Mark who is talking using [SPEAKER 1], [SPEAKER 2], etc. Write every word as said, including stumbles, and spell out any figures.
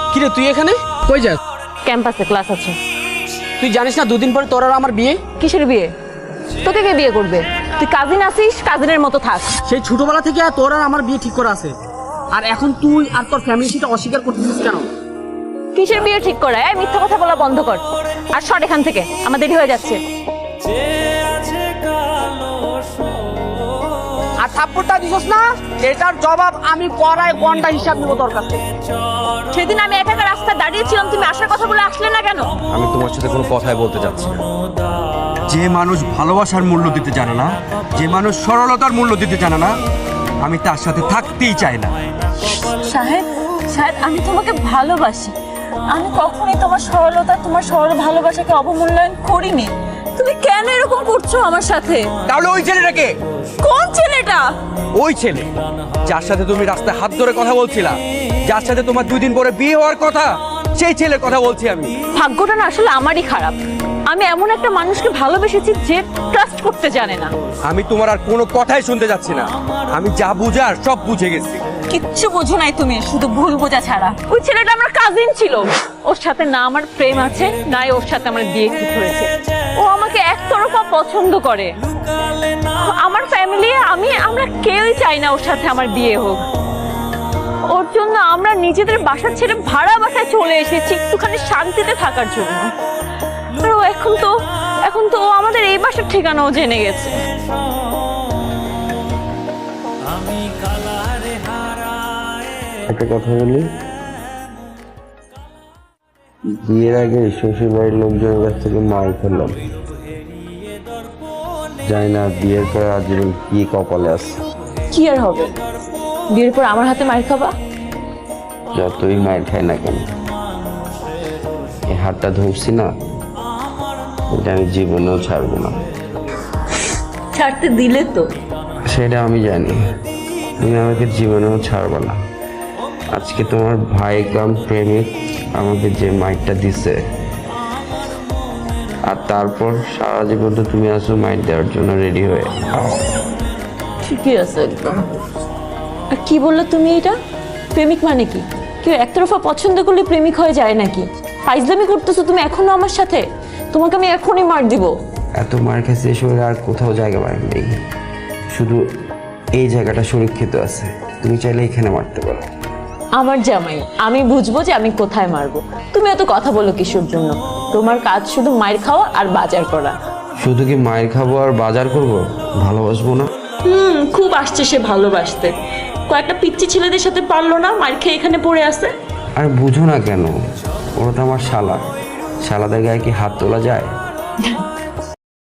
[SPEAKER 1] কিরে তুই এখানে কই যাস?
[SPEAKER 2] ক্যাম্পাসে ক্লাস আছে।
[SPEAKER 1] তুই জানিস না দুদিন পরে তোর আর আমার বিয়ে?
[SPEAKER 2] কিসের বিয়ে? তোকে কে বিয়ে করবে? তুই কাজিন আসিস, কাজিনের মতো থাক।
[SPEAKER 1] সেই ছোটবেলা থেকে তোর আর আমার বিয়ে ঠিক করা আছে, আর এখন তুই আর তোর ফ্যামিলি সেটা অস্বীকার করতেছিস কেন?
[SPEAKER 2] কিসের বিয়ে ঠিক করা? এই মিথ্যা কথা বলা বন্ধ কর আর সর এখান থেকে, আমার দেরি হয়ে যাচ্ছে।
[SPEAKER 1] আর থাপ্পড়টা দিছস না, এটার জবাব আমি পড়ায় ঘন্টা হিসাব নিব তোর কাছে।
[SPEAKER 2] সেদিন আমি একা একা রাস্তায় দাঁড়িয়েছিলাম, তুমি আসার কথা বলে আসলে না কেন?
[SPEAKER 3] আমি তোমার সাথে কোনো কথাই বলতে চাচ্ছি না। যে মানুষ ভালোবাসার মূল্য দিতে জানে না, যে মানুষ সরলতার মূল্য দিতে জানে না, আমি তার সাথে থাকতেই চাই না।
[SPEAKER 4] সাহেব সাহেব আমি তোমাকে ভালোবাসি। আমি কখনোই তোমার সরলতা, তোমার সরল ভালোবাসাকে অবমূল্যায়ন করিনি। তুমি কেন এরকম করছো আমার সাথে?
[SPEAKER 3] তাহলে ওই ছেলেটাকে?
[SPEAKER 4] কোন ছেলেটা?
[SPEAKER 3] ওই ছেলে যার সাথে তুমি রাস্তায় হাত ধরে কথা বলছিলা, যার সাথে তোমার দুই দিন পরে বিয়ে হওয়ার কথা, সেই ছেলের কথা বলছি আমি।
[SPEAKER 2] ভাগ্যটা না আসলে আমারই খারাপ। আমি এমন একটা মানুষকে ভালোবেসেছি যে ট্রাস্ট করতে জানে না।
[SPEAKER 3] আমি তোমার আর কোনো কথাই শুনতে যাচ্ছি না। আমি যা বুঝার সব বুঝে গেছি।
[SPEAKER 4] কিচ্ছু বোঝো নাই তুমি, শুধু ভুল বোঝা ছাড়া।
[SPEAKER 2] ওই ছেলেটা আমার কাজিন ছিল। ওর সাথে না আমার প্রেম আছে, নাই ওর সাথে আমার বিয়ে ঠিক হয়েছে। ও আমাকে একতরফা পছন্দ করে। আমার ফ্যামিলি, আমি আমরা কেউই চাই না ওর সাথে আমার বিয়ে হোক। ওর জন্য আমরা নিজেদের বাসা ছেড়ে ভাড়া বাসায় চলে এসেছি একটুখানি শান্তিতে থাকার জন্য। আর ও এখন তো এখন তো ও আমাদের এই বাসার ঠিকানাও জেনে গেছে।
[SPEAKER 5] একটা কথা বলি, বিয়ের আগে শ্বশুর বাড়ির লোকজনের কাছ থেকে মার খেলাম। জানি না বিয়ের পর আজীবন কি কপালে আছে।
[SPEAKER 2] কি আর হবে, বিয়ের পর আমার হাতে মার খাবা?
[SPEAKER 5] যতই মায়ের খাই না কেন, এই হাতটা ধরছি না, এটা আমি জীবনেও ছাড়বো না।
[SPEAKER 4] ছাড়তে দিলে তো?
[SPEAKER 5] সেটা আমি জানি, তুমি আমাকে জীবনেও ছাড়বে না। আজকে তোমার ভাই কাম প্রেমিক আমাকে যে মাইকটা দিছে, আর তারপর সারা জীবন তো তুমি আসো মাইক দেওয়ার জন্য রেডি হয়ে।
[SPEAKER 2] ঠিকই আছে একদম। আর কি বললো তুমি এটা? প্রেমিক মানে কি? কেউ একতরফা পছন্দ করলে প্রেমিক হয়ে যায় নাকি? ফাইজলামি করতেছো তুমি এখনো আমার সাথে? তোমাকে আমি এখনই মার দিব।
[SPEAKER 5] এত মার খেয়েছে শরীরে আর কোথাও জায়গা পাই নেই, শুধু এই জায়গাটা সুরক্ষিত আছে। তুমি চাইলে এখানে মারতে পারো।
[SPEAKER 2] আমার জামাই, আমি বুঝবো যে আমি কোথায় মারবো। তুমি এত কথা বলো কিসের জন্য? তোমার কাজ শুধু মায়ের খাওয়া আর বাজার করা।
[SPEAKER 5] শুধু কি মায়ের খাবো আর বাজার করবো? ভালোবাসবো না?
[SPEAKER 4] হুম, খুব আসছে সে ভালোবাসতে। কয়েকটা পিচ্চি ছেলেদের সাথে পারলো না, মার খেয়ে এখানে পড়ে আছে।
[SPEAKER 5] আর বুঝো না কেন? ওরা তো আমার শালা, শালাদের গায়ে কি হাত তোলা যায়?